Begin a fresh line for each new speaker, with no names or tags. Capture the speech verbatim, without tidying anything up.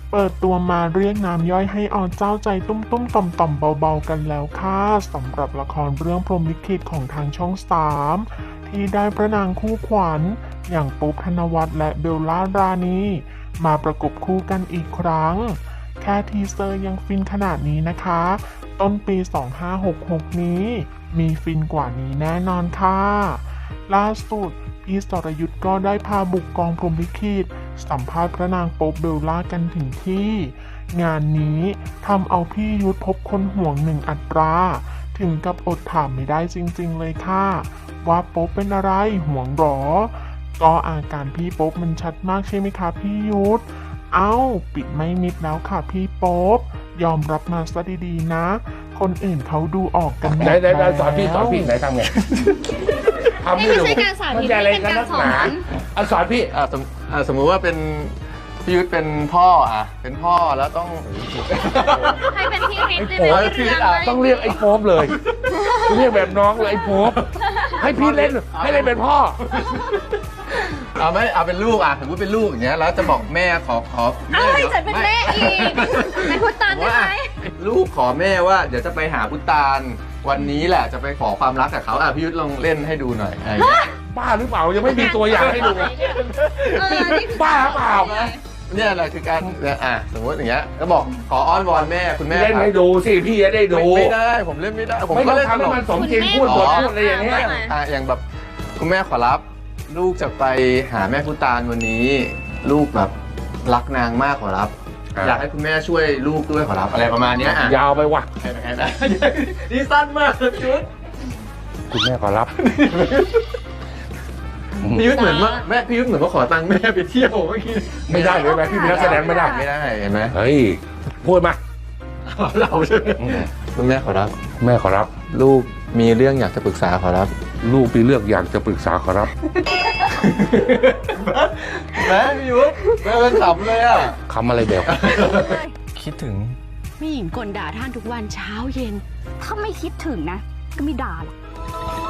เปิดตัวมาเรียกน้ำย่อยให้อเจ้าใจตุ้มตุ้มต่อมต่อมเบาๆกันแล้วค่ะสำหรับละครเรื่องพรหมลิขิตของทางช่องสามที่ได้พระนางคู่ขวัญอย่างปุ๊บธนวัฒน์และเบลล่ารานีมาประกบคู่กันอีกครั้งแค่ทีเซอร์ยังฟินขนาดนี้นะคะต้นปีสองห้าหกหกนี้มีฟินกว่านี้แน่นอนค่ะล่าสุดพี่สรยุทธก็ได้พาบุกกองพรหมลิขิตสัมภาษณ์พระนางโป๊ปเบลล่ากันถึงที่ งานนี้ทำเอาพี่ยุทธพบคนห่วงหนึ่งอัตรา ถึงกับอดถามไม่ได้จริงๆเลยค่ะ ว่าโป๊ปเป็นอะไรห่วงหรอ ก็อาการพี่โป๊ปมันชัดมากใช่ไหมคะพี่ยุทธเอ้าปิดไม่มิดแล้วค่ะพี่โป๊ปยอมรับมาซะดีๆนะ คนอื่นเขาดูออกกันหมด
ไหน
แล้ว
ไหนสอนพี่สอนพี่ไหนทำไงทำ
นี่
ให้
ไม่
ดู
ใช่การสาธิต
มันจะอะไร
เป็น
กัน
การ
นัก
สอ
หนาน อ่ะสอนพี่
อ่าสมอ่าสมมุติว่าเป็นพี่ยุทธเป็นพ่ออ่ะเป็นพ่อแล้วต้อง
ให้เป็นพี่ฤทธิ์ได้
โอ้
ไหม
ย
พี่ฤทธิ์
ต้องเรียกไอ้โป๊ปเลย เรียกแบบน้องเลยไอ้โป๊ปให้พี่เล่นให้เล่นเป็นพ่อ
เอาไม่เอาเป็นลูกอ่ะสมมติเป็นลูกอย่างเงี้ยแล้วจะบอกแม่ขอขอ
เอ้ยฉันเป็นแม่อีกเป็นพุทธานได้ไหม
ลูกขอแม่ว่าเดี๋ยวจะไปหาพุตานวันนี้แหละจะไปขอความรักกับเขาอ่ะพี่ยุทธลองเล่นให้ดูหน่อยอะไรอย่างเงี้ย
บ้าหรือเปล่ายังไม่มีตัวอย่างให้ดู
เออนี่คือ
บ้าเปล่า
เนี่ยแหละคือการเนี่ยอ่ะสมมติอย่างเงี้ยก็บอกขออ้อนวอนแม่คุณแม่
เล่นให้ดูสิพี่จะได้ดู
ไม่ได้ผมเล่นไม่ได้ผม
ไม่
ก็
ต้อง
เล่น
ทำให้มันสมจริงพูดบทพูดอะไรอย่างเงี้ย
อ่ะอย่างแบบคุณแม่ขอรับลูกจะไปหาแม่พุตานวันนี้ ลูกแบบรักนางมากขอรับ
อ่ะ
อยากให้คุณแม่ช่วยลูกด้วยขอรับอะไรประมาณเนี้ยอ่ะ
ยาวไปว่ะ
นี่สั้นมากชุด
คุณแม่ขอรับ
พี่ยุทธเหมือนว่าแม่พี่ยุทธเหมือนว่าขอตังค์แม่ไปเที่ยวเมื่อกี้
ไม่ได้เลยไหมพี่เป็นนักแสดงไม่ได้
ไม่ได้เห็นไหม
เฮ้ยพูดมา
เราใช่ไหมคุณแม่ขอรับ
แม่ขอรับ
ลูกมีเรื่องอยากจะปรึกษาขอรับ
ลูกมีเรื่องอยากจะปรึกษาขอรับ
แม่พี่ยุทธแม่เป็นขำเลยอ่ะ
คำอะไรแบบ
คิดถึง
มีหญิงกลด่าท่านทุกวันเช้าเย็น
ถ้าไม่คิดถึงนะ ก็ไม่ด่าหรอก